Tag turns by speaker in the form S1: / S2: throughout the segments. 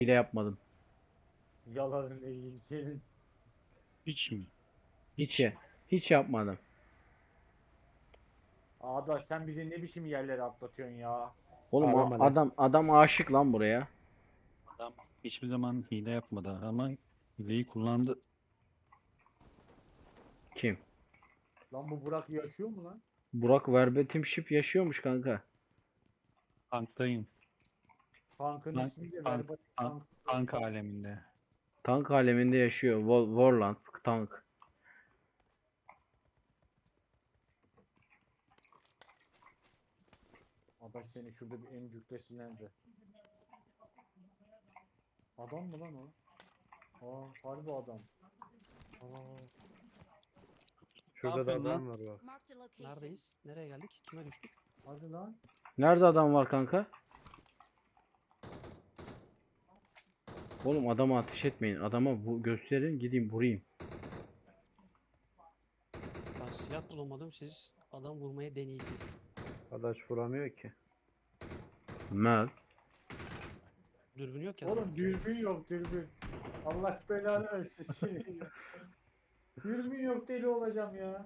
S1: Hile yapmadım.
S2: Yalanın ilgili senin.
S3: Hiç mi?
S1: Hiç ya. Hiç yapmadım.
S2: Ağda sen bizi ne biçim yerlere atlatıyorsun ya?
S1: Oğlum
S3: Ağlama lan.
S1: adam aşık lan buraya.
S3: Adam hiçbir zaman hile yapmadı ama hileyi kullandı.
S1: Kim?
S2: Lan bu Burak yaşıyor mu lan?
S1: Burak verbatim ship yaşıyormuş kanka.
S3: Tanktayım.
S2: Tankın
S3: Tank,
S2: ismi de
S3: tank,
S2: verbatim
S3: tank,
S2: tank.
S3: tank aleminde.
S1: Tank aleminde yaşıyor. Warland tank.
S2: Adaş seni şurada bir en cüklesinden de. Adam mı lan o? Aa harbi adam. Aa,
S4: Şurada da
S3: yapıyorsun
S4: adam var bak.
S5: Marked a location.
S6: Neredeyiz? Nereye geldik? Kime düştük?
S2: hadi lan.
S1: Nerede adam var kanka? Oğlum adama ateş etmeyin. Adama bu gösterin gideyim vurayım.
S6: Ben silah bulamadım, siz adam vurmaya deneysiz.
S4: Adaş vuramıyor ki.
S1: Mel.
S6: Dürbün yok ya.
S2: Oğlum dürbün yok dürbün. Allah belanı versin seni. Dürbün yok deli olacağım ya.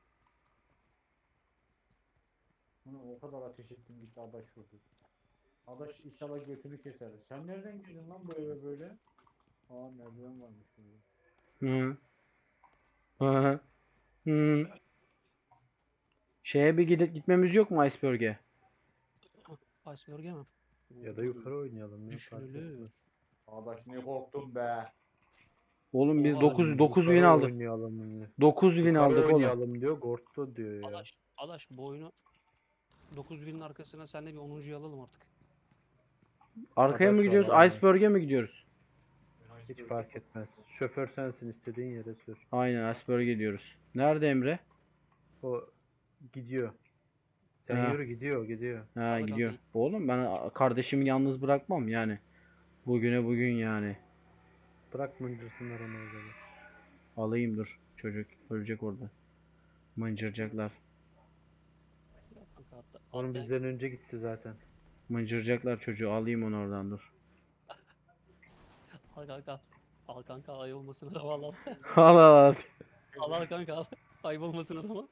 S2: Ulan o kadar ateş ettim gitti adaş vurdu. Adaş inşallah götünü keser. Sen nereden girdin lan bu eve böyle? Aa merdiven varmış burada.
S1: Hı. Hı. Hı. Şeye bir gitmemiz yok mu Iceberg'e?
S6: Iceberg'e mi?
S4: Ya da yukarı oynayalım ya. fark
S6: Düşünülür.
S4: etmez.
S2: Adaş ne korktum be.
S1: Oğlum biz
S6: Oha,
S1: 9 win
S4: Yukarı
S1: aldık.
S4: oynayalım yine.
S1: 9 win
S4: Yukarı
S1: aldık oğlum.
S4: oynayalım diyor. Gortlu diyor ya.
S6: Adaş bu oyunu 9.000'in arkasına sen de bir 10'uncuyu alalım artık.
S1: Arkaya mı
S4: Adaş
S1: gidiyoruz?
S4: vallahi.
S1: Iceberg'e mi gidiyoruz?
S4: Hiç fark etmez. Şoför sensin, istediğin yere sür.
S1: Aynen Iceberg'e gidiyoruz. Nerede Emre?
S4: O gidiyor. Sen
S1: Ha.
S4: yürü, gidiyor.
S1: Ha
S6: Arada
S1: gidiyor.
S6: kalmayın.
S1: Oğlum ben kardeşimi yalnız bırakmam yani. Bugüne bugün yani.
S4: Bırak mıncırsınlar onu orada.
S1: Alayım dur. Çocuk ölecek orada. Mıncıracaklar.
S6: Kanka
S4: Onun bizden önce gitti zaten.
S1: Mıncıracaklar çocuğu. Alayım onu oradan dur.
S6: al kanka. Al kanka, ay olmasın adama al.
S1: Al al.
S6: Al kanka al. Ayıp olmasın adama.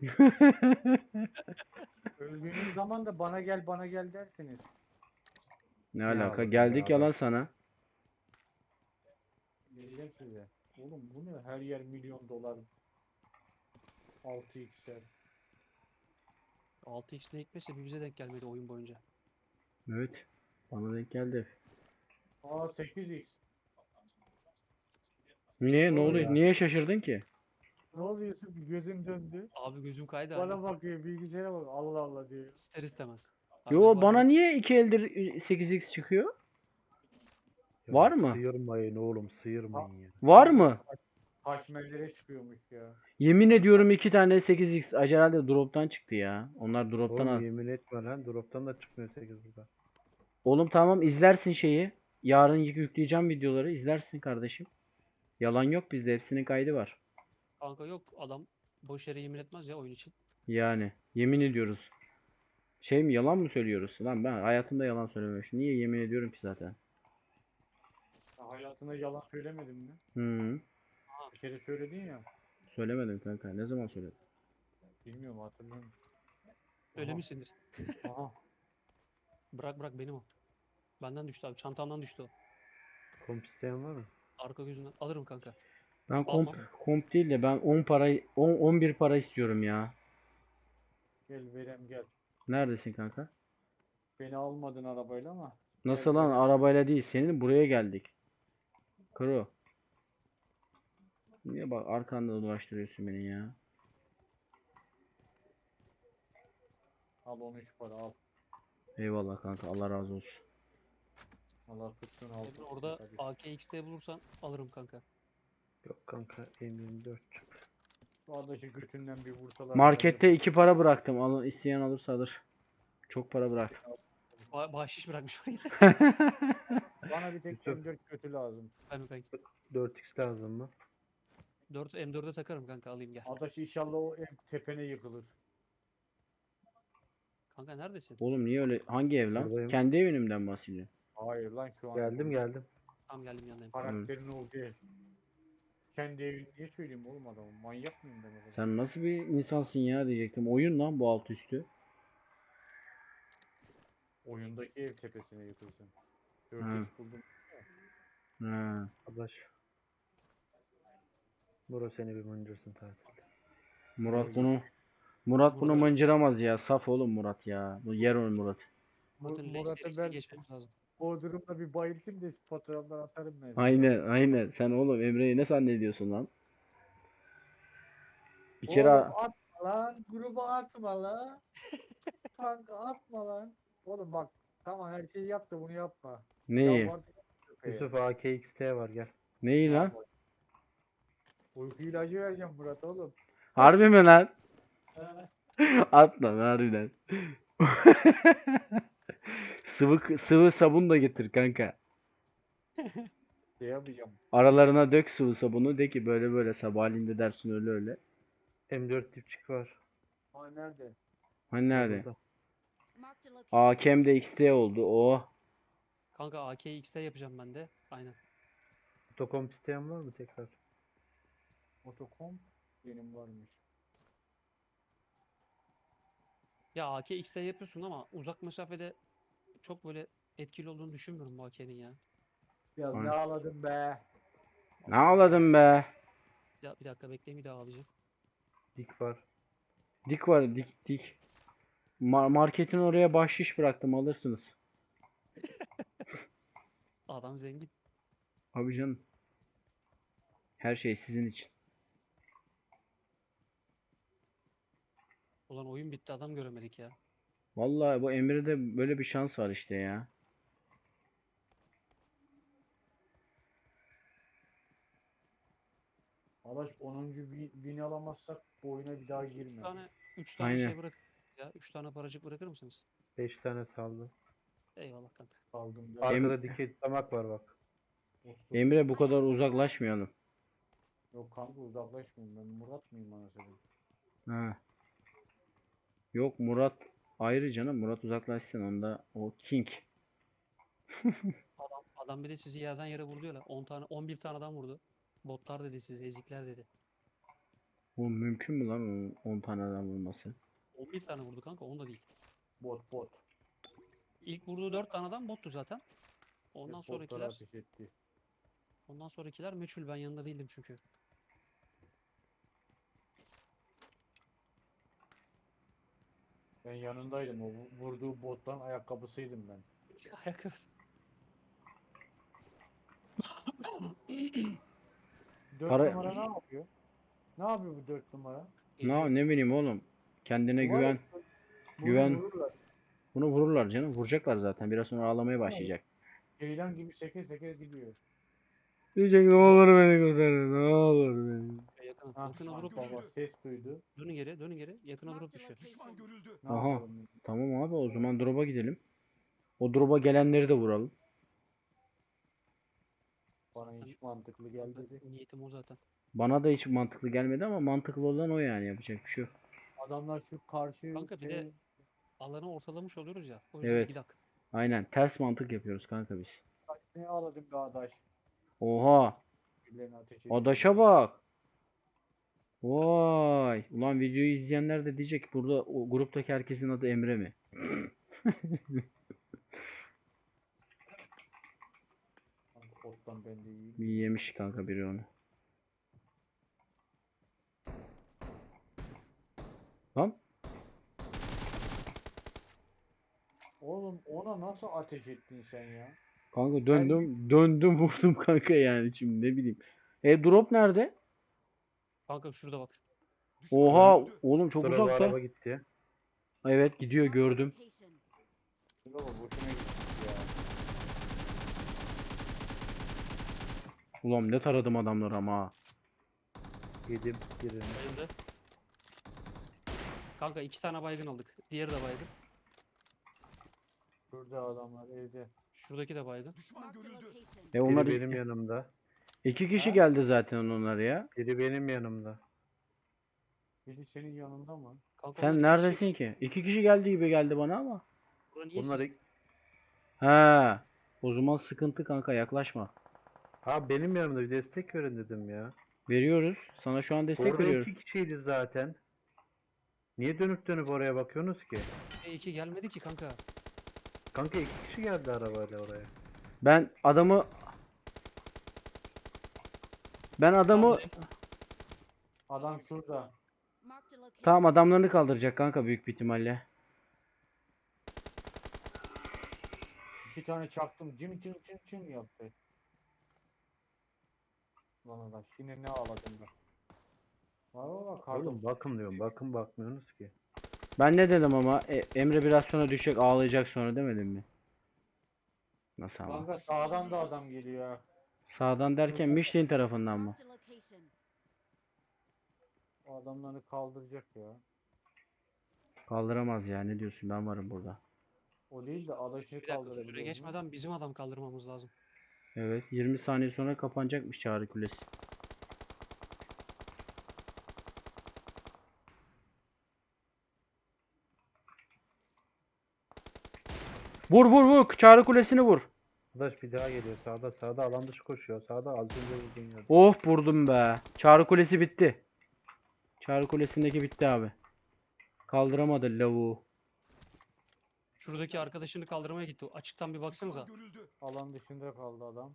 S2: Öldüğünüz zaman da bana gel dersiniz.
S1: Ne
S4: Ne
S1: alaka?
S4: aldın
S1: Geldik
S4: ya
S1: yalan
S4: bak.
S1: sana.
S2: Diyeceğim size. Oğlum bu ne? Her yer milyon dolar. 6x'ler.
S6: 6x ne hikmetse bir bize denk gelmedi oyun boyunca.
S1: Evet. Bana denk geldi.
S2: Aa 8x.
S1: Niye? Ne
S2: Doğru
S1: oluyor?
S4: ya.
S1: Niye şaşırdın ki?
S2: Ne oluyorsun? Gözüm döndü.
S6: Abi gözüm kaydı
S2: Bana
S6: hani.
S2: bakıyor bilgisayara bak. Allah Allah diyor.
S6: İster istemez.
S1: Yo
S6: Abi,
S1: bana niye 2 eldir 8x çıkıyor?
S4: Ya
S1: Var mı?
S4: Sıyırmayın oğlum, sıyırmayın ya.
S1: Var mı?
S2: Haşmellere çıkıyormuş ya.
S1: Yemin ediyorum 2 tane 8x herhalde drop'tan çıktı ya. Onlar drop'tan
S4: Oğlum
S1: al.
S4: yemin etme lan, drop'tan da çıkmıyor 8 burada.
S1: Oğlum tamam izlersin şeyi. Yarın yükleyeceğim videoları izlersin kardeşim. Yalan yok bizde hepsinin kaydı var.
S6: kanka yok, adam boş yere yemin etmez ya oyun için.
S1: Yani yemin ediyoruz. Şey mi yalan mı söylüyoruz? Lan ben hayatımda yalan söylememişim. Niye yemin ediyorum ki zaten?
S2: Ya hayatında yalan söylemedin mi?
S1: Hı.
S2: Bir kere söyledin ya.
S1: Söylemedim kanka. Ne zaman söyledim?
S2: Bilmiyorum hatırlamıyorum.
S6: Söylemişsindir.
S2: Aha.
S6: Bırak benim o. Benden düştü abi. Çantamdan düştü o.
S4: Komp isteyen var mı?
S6: Arka gözünden. Alırım kanka.
S1: Ben
S6: Almam.
S1: komp değil de ben 10 para 11 para istiyorum ya.
S2: Gel verem gel.
S1: Neredesin kanka?
S2: Beni almadın arabayla ama.
S1: Nasıl
S2: Gel
S1: lan
S2: verem.
S1: arabayla değil senin buraya geldik. Kro. Niye bak arkanda dolaştırıyorsun beni ya?
S2: Al 13 para al.
S1: Eyvallah kanka Allah razı olsun.
S2: Allah tuttun al.
S6: Emre orada AKXT bulursan alırım kanka.
S4: Yok kanka, M24 çık.
S2: Şu adaşı götünden bir vursalar.
S1: Markette 2 para bıraktım. Alın isteyen alırsa alır. Çok para bıraktım.
S6: Bahşiş bırakmış.
S2: Bana bir tek
S4: Yusuf.
S2: M4 kötü lazım.
S6: Ben kanka.
S4: 4x lazım mı?
S6: 4 M4'e takarım kanka, alayım gel.
S2: Adaş inşallah o ev tepene yıkılır.
S6: Kanka neredesin?
S1: Oğlum niye öyle? Hangi ev lan?
S4: Buradayım.
S1: Kendi evimden bahsediyorum.
S2: Hayır lan şu an.
S4: Geldim.
S6: Tam geldim yanındayım.
S2: Karakterin o değil. Kendi evini niye söyleyeyim oğlum adamı? Manyak mıyım ben o kadar?
S1: Sen nasıl bir insansın ya diyecektim. Oyun lan bu alt üstü.
S2: Oyundaki ev tepesine yıkılsın.
S1: Ha.
S2: 4x buldum.
S1: Ha.
S4: Adaş. Bro seni bir mıncırsın tatilde.
S1: Murat bunu
S6: Murat-
S1: mıncıramaz ya. Saf oğlum Murat ya. Bu yer o Murat.
S6: Murat'ın L
S2: Murat'ı
S6: serisine
S2: ben
S6: geçmemiz lazım.
S2: o durumda bir bayıltayım da fotoğraflar atarım ben sana.
S1: Aynen. Sen oğlum Emre'yi ne zannediyorsun lan? Bir kere
S2: Oğlum atma lan. Gruba atma lan. Kanka atma lan. Oğlum bak tamam her şeyi yap da bunu yapma.
S1: neyi?
S2: Yalvardım köpeğe.
S4: Yusuf AKXT var gel.
S1: Neyi
S2: Ne
S1: lan?
S2: yapayım? Uyku ilacı vereceğim Murat oğlum.
S1: Harbi mi lan?
S2: Ha,
S1: At lan harbiden. Sıvı sabun da getir kanka.
S2: şey yapacağım.
S1: Aralarına dök sıvı sabunu de ki böyle böyle sabahleyin de dersin öyle öyle.
S4: M4 dipçik var.
S2: Ha nerede?
S1: Hani nerede?
S4: Burada.
S5: Marked a location.
S1: AKM de XT oldu. Oh.
S6: Kanka AKX'de yapacağım ben de. Aynen.
S4: Otokomp isteyen var mı tekrar?
S2: Otokom benim varmış.
S6: Ya AKX'de yapıyorsun ama uzak mesafede çok böyle etkili olduğunu düşünmüyorum bu AK'nin ya.
S2: Ya
S1: Aynen.
S2: ne ağladım be.
S1: Ne ağladın be?
S6: Bir dakika bekleyin bir daha alacağım.
S4: Dik var.
S1: Dik var dik. Marketin oraya bahşiş bıraktım alırsınız.
S6: Adam zengin.
S1: Abi canım. Her şey sizin için.
S6: Ulan oyun bitti adam göremedik ya.
S1: Vallahi bu Emre'de böyle bir şans var işte ya.
S2: Arkadaş 10. bin alamazsak bu oyuna bir daha
S6: 3
S2: girme.
S6: tane 3 tane
S1: Aynen.
S6: şey bırak ya. 3 tane paracık bırakır mısınız?
S4: 5 tane saldı.
S6: Eyvallah kanka.
S2: Kaldım ben.
S4: Arkada dikey tutamak var bak.
S1: Emre bu kadar uzaklaşmayalım.
S2: Yok kanka uzaklaşmayayım ben Murat mıyım anasını?
S1: Ha. Yok Murat ayrı canım. Murat uzaklaşsın onda o king.
S6: Adam bir de sizi yerden yere vurdu ya. 10 tane 11 tane adam vurdu. Botlar dedi sizi, ezikler dedi.
S1: Bu mümkün mü lan onun 10 tane adam vurması?
S6: 11 tane vurdu kanka, 10 da değil.
S2: Bot.
S6: İlk vurduğu 4 tane adam bottu zaten. Ondan
S2: Hep botlara
S6: sonrakiler
S2: ateş etti.
S6: meçhul, ben yanında değildim çünkü.
S2: Ben yanındaydım o vurduğu bottan ayakkabısıydım ben.
S6: Ayakkabısı.
S2: 4
S1: Para-
S2: numara ne yapıyor? Ne yapıyor bu 4 numara?
S1: Ne bileyim oğlum. Kendine
S2: Bu var ya,
S1: güven.
S2: bunu
S1: Güven.
S2: vururlar.
S1: Bunu vururlar canım. Vuracaklar zaten. Biraz sonra ağlamaya
S2: Tamam.
S1: başlayacak.
S2: Ceylan gibi seke seke gidiyor.
S1: Diyecek ne olur beni kurtarın. Ne olur beni.
S6: Yakına,
S2: Ha,
S6: yakına drop
S2: baba ses duydu.
S6: dönün geri. Yakına drop
S5: Marked a
S6: düşüyor.
S5: location.
S2: Ne
S1: Aha.
S2: yapalım?
S1: Tamam abi o zaman drop'a gidelim. O drop'a gelenleri de vuralım.
S2: Bana hiç mantıklı geldi.
S6: Niyetim o zaten.
S1: Bana da hiç mantıklı gelmedi ama mantıklı olan o yani yapacak bir şey yok.
S2: Adamlar şu karşı
S6: Kanka bir
S2: şey-
S6: de alanı ortalamış oluyoruz ya. O yüzden
S1: Evet.
S6: gidak.
S1: Aynen ters mantık yapıyoruz kanka biz.
S2: ne ağladım be adaş.
S1: Oha
S2: Birilerine ateş ediyor.
S1: adaşa bak. Vay. Ulan videoyu izleyenler de diyecek burada o gruptaki herkesin adı Emre mi?
S2: Kanka, bottan ben de iyiyim.
S1: Bir yemiş kanka biri onu. Lan
S2: Oğlum ona nasıl ateş ettin sen ya?
S1: kanka döndüm vurdum kanka yani şimdi ne bileyim. Drop nerede?
S6: Kanka şurada bak.
S1: Oha oğlum çok
S4: Sonra bu
S1: uzakta.
S4: araba gitti.
S1: Evet gidiyor
S5: Marked a
S1: gördüm.
S5: location.
S2: Baba boşuna gittik ya.
S1: Ulan ne taradım adamları ama. Ha.
S4: Yedim birini.
S6: Bayıldı. Kanka 2 tane baygın aldık. Diğeri de baygın.
S2: Şurada adamlar evde.
S6: Şuradaki de baygın.
S5: Marked a location.
S1: Onlar
S4: Biri benim yanımda.
S1: iki kişi
S2: Ha?
S1: geldi zaten onlar ya.
S4: Biri benim yanımda.
S2: Biri senin yanında mı?
S6: Kanka
S1: Sen
S6: onlar iki
S1: neredesin
S6: kişi.
S1: ki? İki kişi geldi gibi geldi bana ama.
S6: Bura niye
S4: Bunlar
S6: siz-
S1: He. O zaman sıkıntı kanka yaklaşma.
S4: Ha benim yanımda bir destek verin dedim ya.
S1: Veriyoruz. Sana şu an destek
S4: Orada
S1: veriyoruz.
S4: 2 kişiydi zaten. Niye dönüp dönüp oraya bakıyorsunuz ki?
S6: E2 gelmedi ki kanka.
S4: Kanka 2 kişi geldi arabayla oraya.
S1: Ben adamı
S6: Tamam,
S2: Adam şurada.
S5: Marked a location.
S1: tamam adamlarını kaldıracak kanka büyük bir ihtimalle.
S2: 2 tane çaktım. Cim cim cim cim yaptı. Lan adaş yine ne ağladın da. Valla
S4: Oğlum bakın diyorum. Bakın bakmıyorsunuz ki.
S1: Ben ne dedim ama Emre biraz sonra düşecek ağlayacak sonra demedim mi? Nasıl ama?
S2: Kanka sağdan da adam geliyor ha.
S1: Sağdan derken Michelin tarafından mı?
S5: Marked a location.
S2: O adamları kaldıracak ya.
S1: Kaldıramaz ya ne diyorsun ben varım burada.
S2: O değil de adaşı
S6: Bir dakika süre
S2: kaldırabiliyor mu?
S6: geçmeden bizim adam kaldırmamız lazım.
S1: Evet 20 saniye sonra kapanacakmış Çağrı Kulesi. Vur vur vur Çağrı Kulesi'ni vur.
S4: Arkadaş bir daha geliyor. Sağda alan dışı koşuyor. Sağda az önce vurduğun yerde.
S1: Of vurdum be. Çağrı Kulesi bitti. Çağrı Kulesi'ndeki bitti abi. Kaldıramadı lavuğu.
S6: Şuradaki arkadaşını kaldırmaya gitti. Açıktan bir baksanıza.
S2: Alan dışında kaldı adam.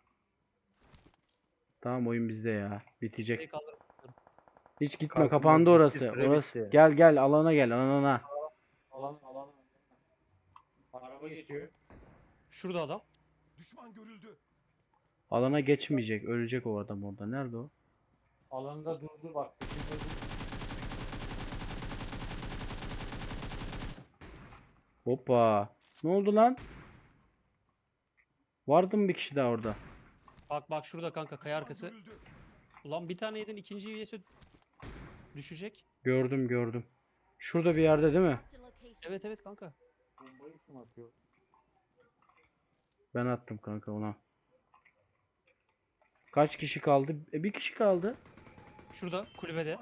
S1: Tamam oyun bizde ya.
S6: Şey
S1: Bitecek.
S6: kaldırmıyor.
S1: Hiç gitme
S4: Kalkın,
S1: kapandı
S4: bitti,
S1: orası.
S4: süre
S1: Orası.
S4: bitti.
S1: Gel gel alana gel alana.
S2: Alan. Araba geçiyor.
S6: Şurada adam.
S1: Alana geçmeyecek. Ölecek o adam orada. Nerede o?
S2: Alanda durdu bak. Dışında durdu.
S1: Hoppa. Ne oldu lan? Vardı mı bir kişi daha orada?
S6: Bak şurada kanka kaya arkası. Ulan bir tane yedin ikinciyi yese düşecek.
S1: Gördüm. Şurada bir yerde değil mi?
S5: Marked a location.
S6: Evet kanka.
S2: Bombayı kim atıyor?
S1: Ben attım kanka ona. Kaç kişi kaldı? Bir kişi kaldı.
S6: Şurada kulübede.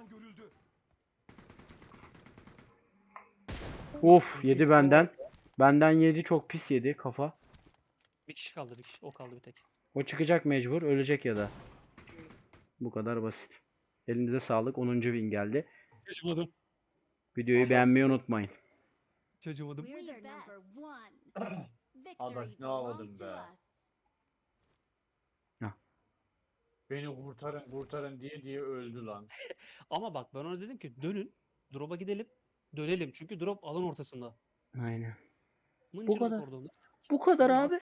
S1: Of yedi benden. Benden yedi çok pis yedi kafa.
S6: Bir kişi kaldı bir kişi. O kaldı bir tek.
S1: O çıkacak mecbur. Ölecek ya da. Bu kadar basit. Elinize sağlık. 10. win geldi.
S6: Çocuğumadım.
S1: Videoyu beğenmeyi unutmayın.
S6: Çocuğumadım.
S5: We're the number one.
S2: Adaş,
S5: Victory
S2: ne ağladın
S5: belongs to
S2: be?
S5: us.
S2: Beni kurtarın diye öldü lan.
S6: Ama bak ben ona dedim ki dönün. Drop'a gidelim. Dönelim. Çünkü drop alan ortasında.
S1: Aynen.
S6: Mıncırlık
S1: kadar.
S6: orada.
S1: Bu kadar abi.